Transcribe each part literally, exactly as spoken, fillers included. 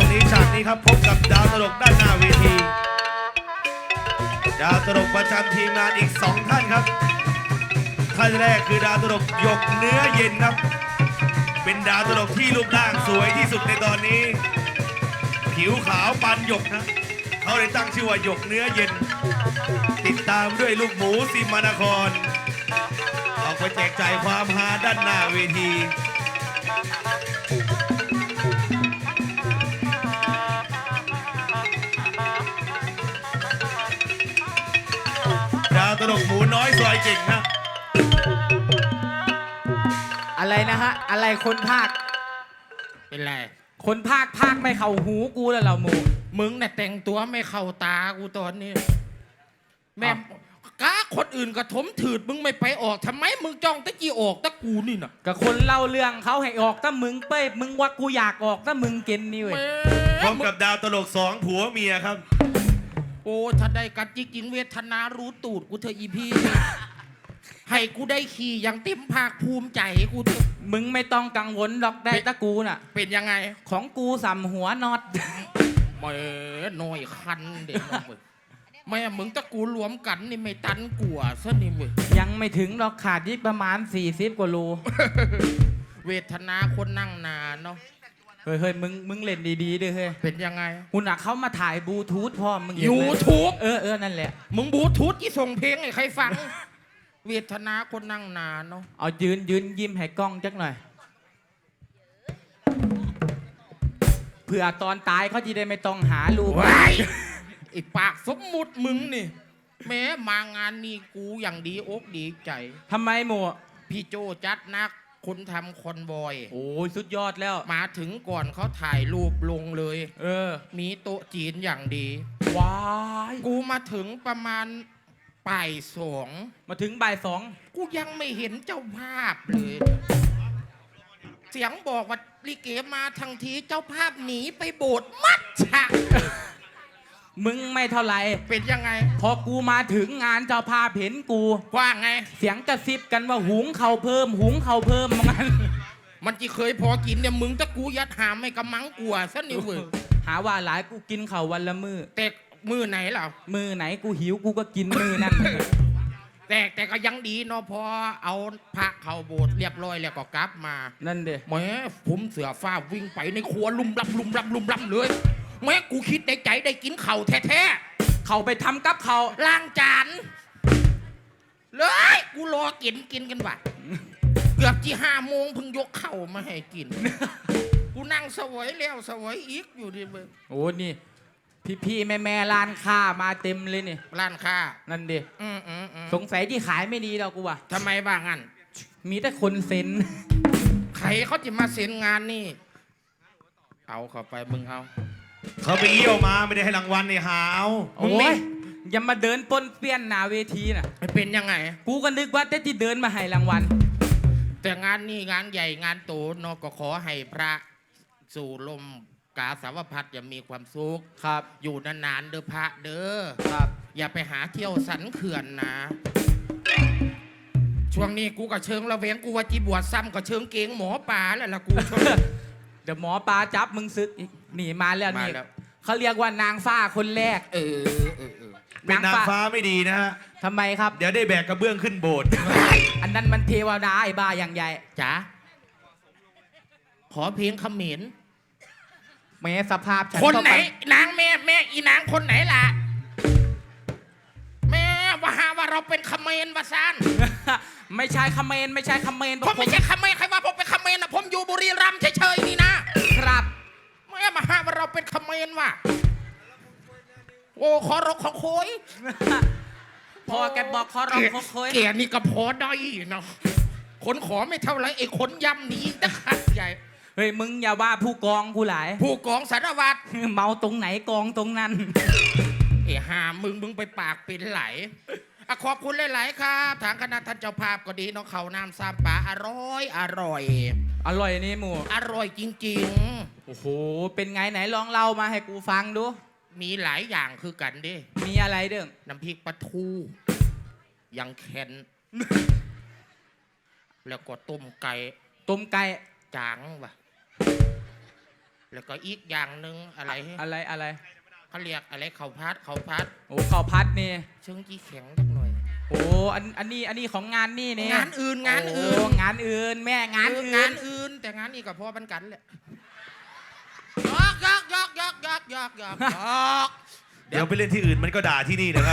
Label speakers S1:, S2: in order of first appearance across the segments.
S1: นี้ฉากนี้ครับพบกับดาวตลกด้านหน้าเวทีดาวตลกประจำทีมงานอีกสองท่านครับท่านแรกคือดาวตลกหยกเนื้อเย็นครับเป็นดาวตลกที่รูปร่างสวยที่สุดในตอนนี้ผิวขาวปานหยกนะเขาเลยตั้งชื่อว่าหยกเนื้อเย็นติดตามด้วยลูกหมูสิมานครออกไปแจกจ่ายความฮาด้านหน้าเวทีดาวตลกหมูน้อยซอยเก่งนะ
S2: อะไรนะฮะอะไรคนภาค
S3: เป็นไร
S2: คนภาคภาคไม่เข้าหูกูแล้วเราหมู
S3: มึงน่ะแต่งตัวไม่เข้าตากูตอนนี้แม่ก้าคนอื่นก็ถมถืดมึงไม่ไปออกทำไมมึงจ้องตะกี้ออกตะกูนี่น่ะ
S2: กับคนเล่าเรื่องเขาให้ออกถ้ามึงเป้ยมึงว่ากูอยากออกถ้ามึงเกณฑ์นี่เว้ย
S1: พร้อมกับดาวตลกสองผัวเมียครับ
S3: โอ้ถ้าได้กัดจิกินเวทนารู้ตูดกูเธออีพี่ให้กูได้ขี่อย่างเต็มภาคภูมิใจกูเถอะ
S2: มึงไม่ต้องกังวลหรอกได้ตะกูน่ะ
S3: เป็นยังไง
S2: ของกูสัมหัวน็อต
S3: แม่หน่อยคันเด็กน้องเว้ยแม่มึงตะกูรวมกันนี่ไม่ตันกลัวซะนี่เว้ย
S2: ยังไม่ถึงหรอกขาดยิ่ประมาณสี่สิบกว่าโล
S3: เวทนาคนนั่งนานเนาะ
S2: เฮ้ยเฮ้ยมึงมึงเล่นดีๆด้วยเฮ้ย
S3: เป็นยังไง
S2: คุณอ่ะเขามาถ่ายบลูทูธพ่อมึง
S3: ยูทูบ
S2: เออเออนั่นแหละ
S3: มึงบลูทูธที่ส่งเพลงให้ใครฟังเวทนาคนนั่งนานเนาะ
S2: เอายืนยืนยิ้มให้กล้องจักหน่อยเผื่อตอนตายเขาจะได้ไม่ต้องหาลูก
S3: ไอ้ปากสมมุติมึงนี่แม้มางานนี้กูอย่างดีอกดีใจ
S2: ทำไมหมู
S3: พี่โจจัดนักคนทำคอนบอย
S2: โอ้ยสุดยอดแล้ว
S3: มาถึงก่อนเขาถ่ายรูปลงเลย
S2: เออ
S3: มีโต๊ะจีนอย่างดี
S2: ว้าย
S3: กูมาถึงประมาณบ่ายสอง
S2: มาถึงบ่ายสอง
S3: กูยังไม่เห็นเจ้าภาพเลยเสียงบอกว่าลิเกมาทั้งทีเจ้าภาพหนีไปโบสถ์มัดฉะ
S2: มึงไม่เท่าไหร่
S3: เป็นยังไง
S2: พอกูมาถึงงานเจ้าภาพเห็นกู
S3: ว่าไง
S2: เสียงกระซิบกันว่าหุงเข่าเพิ่มหุงเข่าเพิ่มมัน
S3: มันจะเคยพอกินเนี่ยมึงตะกูยัดหามไม่กำมังกลัวซะนี่เว้ย
S2: หาว่าหลายกูกินเข่าวันละมือ
S3: แต่มือไหนเหรอ
S2: มือไหนกูหิวกูก็กินมือนั่น
S3: แต่แต่ก็ยังดีเนาะพอเอาพระเข้าโบสถ์เรียบร้อยแล้วก็กลับมา
S2: นั่นเด้
S3: แม่ผมเสือฟ้าวิ่งไปในครัวลุ่มลับลุ่มลับลุ่มลับเลยแม่กูคิดในใจได้กินเข่าแท้
S2: ๆเข่าไปทำกับเข่า
S3: ล้างจานเลยกูรอกินกินกันว่ะเกือบที่ห้าโมงเพิ่งยกเข่ามาให้กินกูนั่งสวยแล้วสวยอีกอยู่ดิเบอร์
S2: โอ้นี่พี่ๆแม่ๆร้านค้ามาเต็มเลยนี่
S3: ร้านค้า
S2: นั่นดิสงสัยที่ขายไม่ดีเรากูว่ะ
S3: ทำไมบ้างงั้น
S2: มีแต่คนเซ็น
S3: ใครเขาจะมาเซ็นงานนี่เอาเข้าไปมึงเอา
S1: เขาไปเยี่ยวมาไม่ได้ให้รางวัลนี่หาเอา
S2: โอ้ยอย่ามาเดินปนเปี้ยนหนาเวทีน่ะ
S3: เป็นยังไง
S2: กูก็นึกว่าแต่ที่เดินมาให้รางวัล
S3: แต่งานนี่งานใหญ่งานโตนก็ขอให้พระสู่ลมกาสาวพัดอย่ามีความสุข
S2: ครับ
S3: อยู่นานๆเด้อพระเด้อ
S2: ครับ
S3: อย่าไปหาเที่ยวสันเขื่อนนะช่วงนี้กูก็เชิงระเวงกูว่าจีบวชซ้ำก็เชิงเกงหมอปลาแล้วล่ะกู
S2: เดี๋ยวหมอปลาจับมึงซึกหนีมาแล้วนี่เขาเรียกว่านางฟ้าคนแรก
S3: เออเออเออ
S1: เป็นนางฟ้าไม่ดีนะฮะ
S2: ทำไมครับ
S1: เดี๋ยวได้แบกกระเบื้องขึ้นโบสถ์
S2: อันนั้นมันเทวดาไอ้บ้าอย่างใหญ่
S3: จ๋าขอเพลงเขมร
S2: แม่สภาพฉัน
S3: คนไหนนางแม่แม่อีนางคนไหนล่ะแม่ว่าหาว่าเราเป็นเขมรวะซาน
S2: ไม่ใช่เขมรไม่ใช่เขมร
S3: ผมไม่ใช่เขมรใครว่าผมเป็นเขมรนะผมอยู่บุรีรัมย์เฉยๆนี่นะครับแม่มาหาว่าเราเป็นเขมรว่ะโอ้ขอรกขอโคย
S2: พอแกบอกขอรกขอโคย
S3: แกนี่ก็พอได้เนาะคนขอไม่เท่าไรไอ้คนย่ำนี้ตะขัดใหญ่
S2: เฮ้ยมึงอย่าว่าผู้กองกูหลาย
S3: ผู้กองสารวัตร
S2: เมาตรงไหนกองตรงนั้น
S3: ไอ้ห่ามึงมึงไปปากเป็นไหลขอบคุณหลายๆครับทางคณะท่านเจ้าภาพก็ดีน้องเขาน้ำซามปลาอร่อยอร่อย
S2: อร่อยนี่หมู
S3: อร่อยจริง
S2: ๆโอ้โหเป็นไงไหนลองเล่ามาให้กูฟังดู
S3: มีหลายอย่างคือกันดิ
S2: มีอะไรเด้อ
S3: น้ำพริกปลาทูยังแข็งแล้วก็ต้มไก่
S2: ต้มไก่
S3: จางว่ะแล้วก็อีกอย่างหนึ่งอะไร
S2: อะไรอะไร
S3: เขาเรียกอะไรเขาพัดเขาพัด
S2: โอ้ข้าวพัดนี่
S3: เชิงจีแข็งสักหน่อย
S2: โอ้อันอันนี้อันนี้ของงานนี่นี่
S3: งานอื่นงานอื่น
S2: โอ้งานอื่นแม่งาน
S3: เออ
S2: อื่
S3: งาน นอื่น แต่งานนี้ก็พอบันกันแหละยอกยอกยอกยอกยอกยอกยอกยอก
S1: เดี๋ยวไปเล่นที่อื่นมันก็ด่าที่นี่นะครับ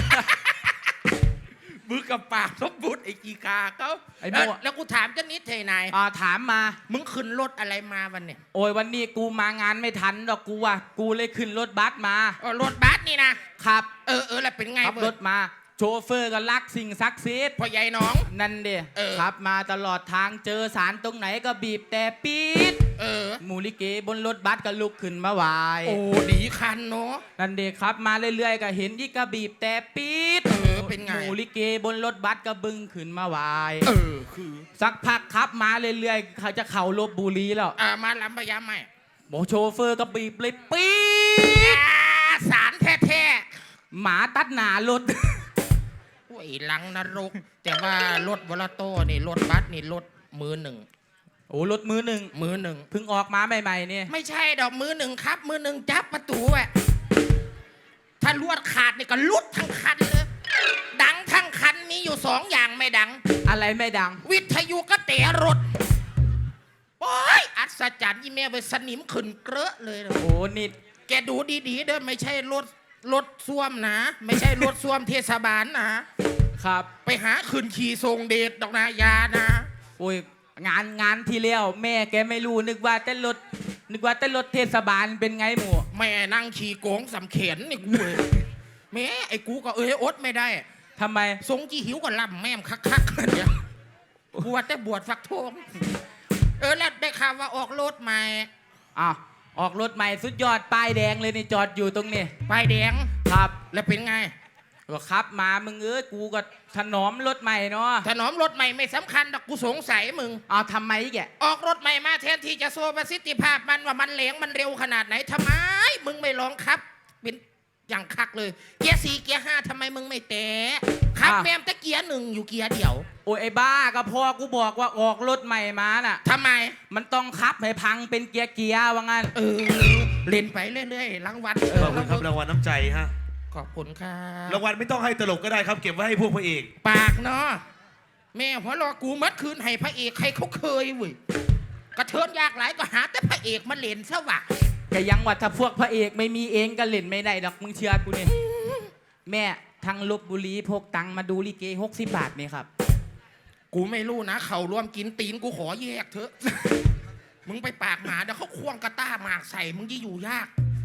S3: มือกับปากสมบูรณ์ไอ้กีกาเขา
S2: ไอ้
S3: เอ้
S2: โม่
S3: ยแล้วกูถามเจ้านิดเทนาย
S2: อ่าถามมา
S3: มึงขึ้นรถอะไรมาวันเนี่ย
S2: โอ้ยวันนี้กูมางานไม่ทันดอกกูอ่ะกูเลยขึ้นรถบัสมา
S3: อ๋อรถบัสนี่นะครับ เออเออแล้วเป็นไง
S2: ขับ
S3: เว้ย
S2: รถมา โชเฟอร์ก็รักสิ่งศักดิ์สิทธิ์
S3: พ่อใหญ่น้อง
S2: นั่นเดี
S3: เออ
S2: ขับมาตลอดทางเจอสารตรงไหนก็บีบแต่ปี๊ด
S3: เออ
S2: หมูลิเกบนรถบัสก็ลุกขึ้นมาไหว
S3: โอ้ดีคันเนาะ
S2: นั่นเดีขับมาเรื่อยๆก็เห็นยี่ก็บีบแต่ปี๊ด
S3: เออเป็นไง
S2: หมูลิเกบนรถบัสก็บึ้งขึ้นมาไหว
S3: เออคือ
S2: สักพักขับมาเรื่อยๆเขาจะเข่าลบบุรีแล้ว
S3: อ่ามาลำพยายามไหม
S2: โมโชเฟอร์ก็บีบเลยปี๊ด
S3: อ่าสารแท้
S2: หมาตัดหนารถ
S3: ๆโอ้ยหลังนรก แต่ว่ารถวอลโต้นี่รถบัสนี่รถมือหนึ่ง
S2: โอ้รถมือหนึ่ง
S3: มือหนึ่ง
S2: เพิ่งออกมาใหม่ๆนี่
S3: ไม่ใช่ดอกมือหนึ่งครับ มือหนึ่งจับประตูแหวะถ้าลวดขาดนี่ก็ลุดทั้งคันเลย ดังทั้งคันมีอยู่สองอย่างไม่ดัง
S2: อะไรไม่ดัง
S3: วิทยุก็เตะรถ โอ้ย อัศจรรย์อีเมลไปสนิมขึ้นเกลอะเลยนะ
S2: โอ้นิด
S3: แกดูดีๆเด้อไม่ใช่รถรถส้วมนะ ไม่ใช่รถส้วมเทศบาลนะ
S2: ครับ
S3: ไปหาขึ้นขี่ทรงเดชดอกนายานะ
S2: โอ้ยงานงานที่เลี้ยวแม่แกไม่รู้นึกว่าแต่รถนึกว่าแต่รถเทศบาลเป็นไงหมู
S3: แม่นั่งขี่โกงสำเข็นนี่กูเลยแม่ไอ้กูก็เอ้ยอดไม่ได้
S2: ทำไม
S3: ทรงจีหิวก็ล่ำแม่มคักๆเนี่ยบวชแต่บวชฟักทองเออแล้วได้ข่าวว่าออกรถใหม่
S2: อ้าวออกรถใหม่สุดยอดป้ายแดงเลยนี่จอดอยู่ตรงนี้
S3: ป้ายแดง
S2: ครับ
S3: แล้วเป็นไง
S2: ก็ขับมามึงเอ้ยกูก็ถนอมรถใหม่เนาะ
S3: ถนอมรถใหม่ไม่สำคัญดอกกูสงสัยมึง
S2: เอาทำไมแก
S3: ออกรถใหม่มาแทนที่จะโชว์ประสิทธิภาพมันว่ามันเหลงมันเร็วขนาดไหนทำไม มึงไม่ลองครับ เป็นอย่างคักเลย เกียร์สี่เกียร์ห้าทำไมมึงไม่แตะขับแมมแต่เกียร์หนึ่งอยู่เกียร์เดียว
S2: โอ้ยไอ้บ้าก็พอกูบอกว่าออกรถใหม่มาน่ะ
S3: ทำไม
S2: มันต้องขับให้พังเป็นเกียร์เกียร์ว่างั้น
S3: เออเล่นไปเรื่อยๆรางวัลเอ
S1: ข
S3: อ
S1: อบคุณครับรางวัลน้ำใจฮะ
S3: ขอบคุณครับ
S1: รางวัลไม่ต้องให้ตลกก็ได้ครับ เก็บไว้ให้พวกพระเอก
S3: ปากเนาะแม่หัวรอกูมัดคืนให้พระเอกใครเขาเคยเว้ยกระเทินยากหลายก็หาแต่พระเอกมาเล่นซะวะ
S2: ก็ยังว่าถ้าพวกพระเอกไม่มีเองก็เล่นไม่ได้ดอกมึงเชื่อกูนี่แม่ทางลบบุรีพกตังค์มาดูลิเกหกสิบบาทนี่ครับ
S3: กูไม่รู้นะเขาร่วมกินตีนกูขอแยกเถอะ มึงไปปากหมาเดี๋ยวเขาควงกระต้าหมากใส่มึงจะอยู่ยาก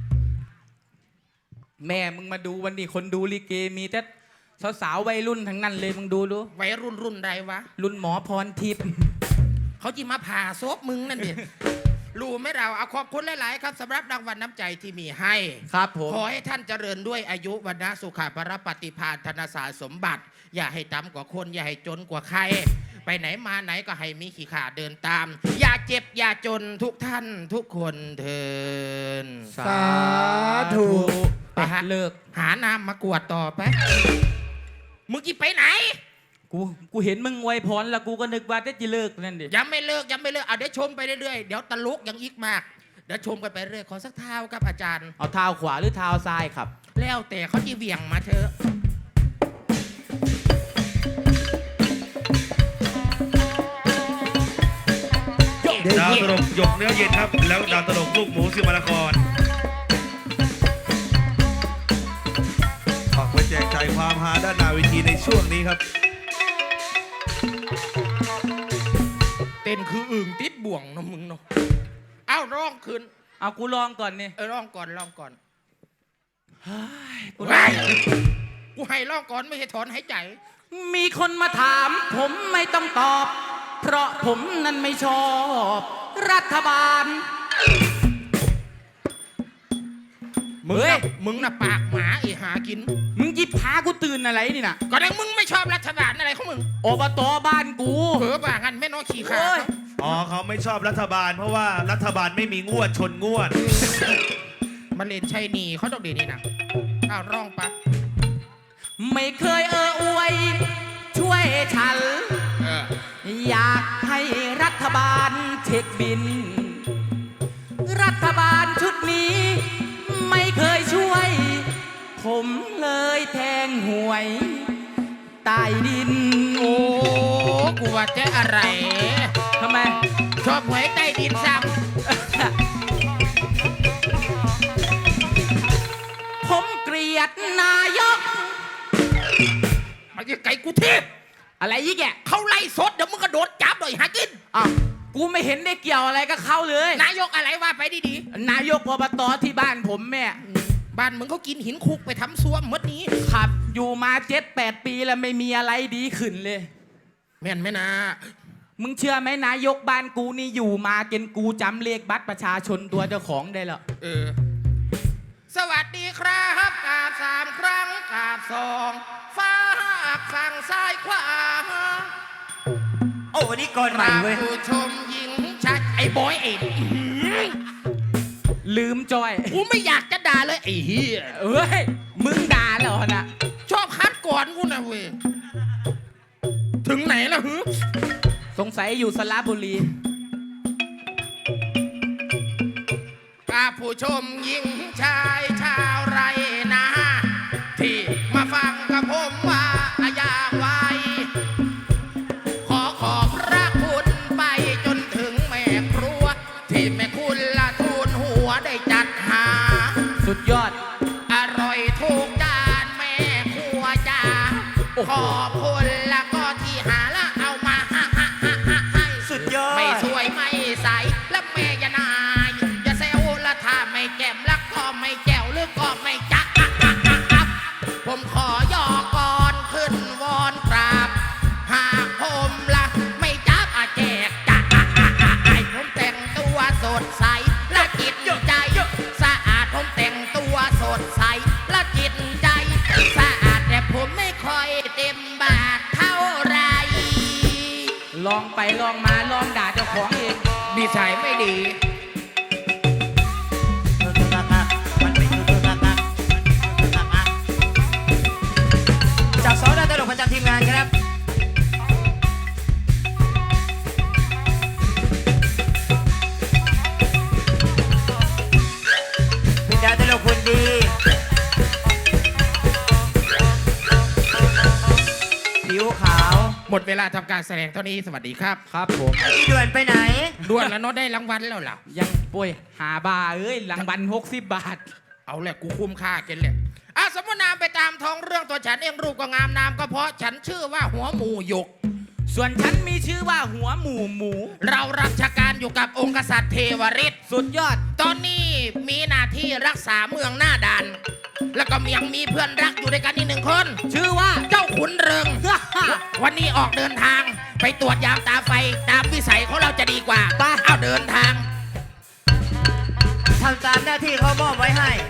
S2: แม่มึงมาดูวันนี้คนดูลิเกมีแต่สาวๆวัยรุ่นทั้งนั้นเลยมึงดูดู
S3: วัยรุ่นรุ่นใดวะ
S2: รุ่นหมอพรทิพย์
S3: เขาจีมาผ่าซบมึงนั่นดิ รู้ไหมเราเอาขอบคุณหลาย ๆ ครับสำหรับรางวัลน้ำใจที่มีให้
S2: ครับผม
S3: ขอให้ท่านเจริญด้วยอายุวันนะสุขภาระปฏิภาณธนสารสมบัติ อย่าให้ต่ำกว่าคน อย่าให้จนกว่าใคร ไปไหนมาไหนก็ให้มีขี่ขาเดินตาม อย่าเจ็บอย่าจนทุกท่านทุกคนเทิน
S2: สาธุ
S3: ไปฮะ
S2: เลิก
S3: หาน้ำมากวดต่อไป มึงจะไปไหน
S2: กูกูเห็นมึงอวยพรแล้วกูก็นึกว่าจะจะเลิกนั่นดิ
S3: ยังไม่เลิกยังไม่เลิกเอาเดี๋ยวชมไปเรื่อยๆเดี๋ยวตลกยังอีกมากเดี๋ยวชมกันไปเรื่อยขอสักเท้าครับอาจารย์
S2: เอาเท้าขวาหรือเท้าซ้ายครับ
S3: แล้วแต่เขาจีเหวี่ยงมาเถอะ
S1: ดาวตลกหยกเนื้อเย็นครับ แล้วดาวตลกลูกหมูสิมานครฝากไว้แจกจ่ายความฮาด้านหน้าเวทีในช่วงนี้ครับ
S3: เต้นคืออึ่งติดบ่วงเนอะมึงเนาะเอ้าร้องคืน
S2: เอากูลองก่อนนี่
S3: เออร้องก่อนร้องก่อน
S2: กู
S3: ไว้กูให้ร้องก่อนไม่ใช่ถอนหายใจ
S2: มีคนมาถาม ผมไม่ต้องตอบ เพราะผมนั้นไม่ชอบ รัฐบาล
S3: มึง
S2: เฮ้ย
S3: น่ะมึงน่ะปากหมาไอหากิน
S2: มึงยิบพากูตื่นอะไรนี่น่ะ
S3: ก็ดังมึงไม่ชอบรัฐบาลอะไรของมึง
S2: อบตบ้านกู
S3: เผลอป่างั้นแม่น้อยขี่ขา
S2: เฮ้ย
S1: อ๋อเขาไม่ชอบรัฐบาล เพราะว่ารัฐบาลไม่มีงวดชนงวด
S3: มาเล่นชัยนีเขาต้องดีนี่นะอ้าวร้องปะ
S2: ไม่เคยเอออวย ช่วยฉัน
S3: เออ
S2: อยากให้รัฐบาลเช็คบิน รัฐบผมเลยแทงหวยใต้ดิน
S3: โอ้กูว่าจะอะไร
S2: ทำไม
S3: ชอบหวยใต้ดินซ้
S2: ผมเกลียดนายก
S3: ำมาจะไก่กูเทพ
S2: อะไรยี่แก
S3: เขาไล่สดเดี๋ยวมึงกระโดดจับหน่อยหากิน
S2: อ่ะกูไม่เห็นได้เกี่ยวอะไรกับเขาเลย
S3: นายกอะไรว่าไปดี
S2: นายกอบตที่บ้านผมแม่
S3: ๆบ้านมึงเขากินหินคุกไปทำซ่วมมดนี้
S2: ขับอยู่มาเจ็ดแปดปีแล้วไม่มีอะไรดีขึ้นเลย
S3: แม่นไหมนะ
S2: มึงเชื่อไหมนายกบ้านกูนี่อยู่มาเกณฑ์กูจำเลขบัตรประชาชนตัวเจ้าของได้แล้ว
S3: เออ สวัสดีครับกราบสามครั้งกราบสองฟ้าฝั่งซ้ายขวา
S4: โอ้วันนี้ก่อนใหม่เว้ย
S3: ผู้ชมหญิงชายไอ้บอยไอ้
S2: ลืมจอย
S3: กูไม่อยากจะด่าเลยไอ้เฮีย
S2: เอ้ย มึงด่าเหรอนะ
S3: ชอบคัดก่อนกูนะเว้ยถึงไหนแล้วฮึ
S2: สงสัยอยู่สระบุรี
S3: กราบผู้ชมหญิงชายชาวไรนา ที่มาฟังกับผมว่าอย่างไว ขอขอบพระคุณไปจนถึงแม่ครัว ที่แม่คุณละทูลหัวได้จัดหา
S2: สุดยอด
S3: อร่อยทุกจานแม่ครัวจ้าขอบคุณแล้วก็ที่หาและเอามาให้ให้
S4: สุดยอด
S3: ไม่สวยไม่ใสและแม่อยานายอย่าแซวละถ้าไม่แจ่มแล้วก็ไม่แจ๋วหรือก็ไม่จ๊ะผมขอยอก่อนขึ้นวอนกราบ หากผมละไม่จับอาแจกจ้ะให้ผมแต่งตัวสดใสและจิตใจสะอาดผมแต่งตัวสดใสและจิตใจสะอาดแต่ผมไม่ค่อยเต็มบาทเท่าไร
S2: ลองไปลองมาลองด่าเจ้าของเอง
S3: นิสัยไม่ดี
S4: จากสองดาวตลกประจำทีมงานครับ เป็นดาวตลกคนดี ผิวขาว
S3: หมดเวลาทำการแสดงเท่านี้สวัสดีครับ
S2: ครับผม
S4: อีด่วนไปไหน
S3: ด่วนแล้วเนาะได้รางวัลแล้วล่ะ
S2: ยังป่วยหาบาเอ้ยหลังบันหกสิบบาท
S3: เอาแหละกูคุ้มค่าเกินเลยอ่ะสมมตินามไปตามท้องเรื่องตัวฉันเองรูปก็งามนามก็เพราะฉันชื่อว่าหัวหมูหยก
S2: ส่วนฉันมีชื่อว่าหัวหมูหมู
S3: เรารับราชการอยู่กับองค์กษัตริย์เทวฤทธิ์
S2: สุดยอด
S3: ตอนนี้มีหน้าที่รักษาเมืองหน้าด่าน แล้วก็ยังมีเพื่อนรักอยู่ด้วยกันอีกหนึ่งคน
S2: ชื่อว่า
S3: เจ้าขุนเริง วันนี้ออกเดินทาง ไปตรวจยามตาไฟตามวิสัยของเราจะดีกว่า
S2: ไป
S3: เอาเดินทาง
S4: ทำตามหน้าที่เขามอบไว้ให้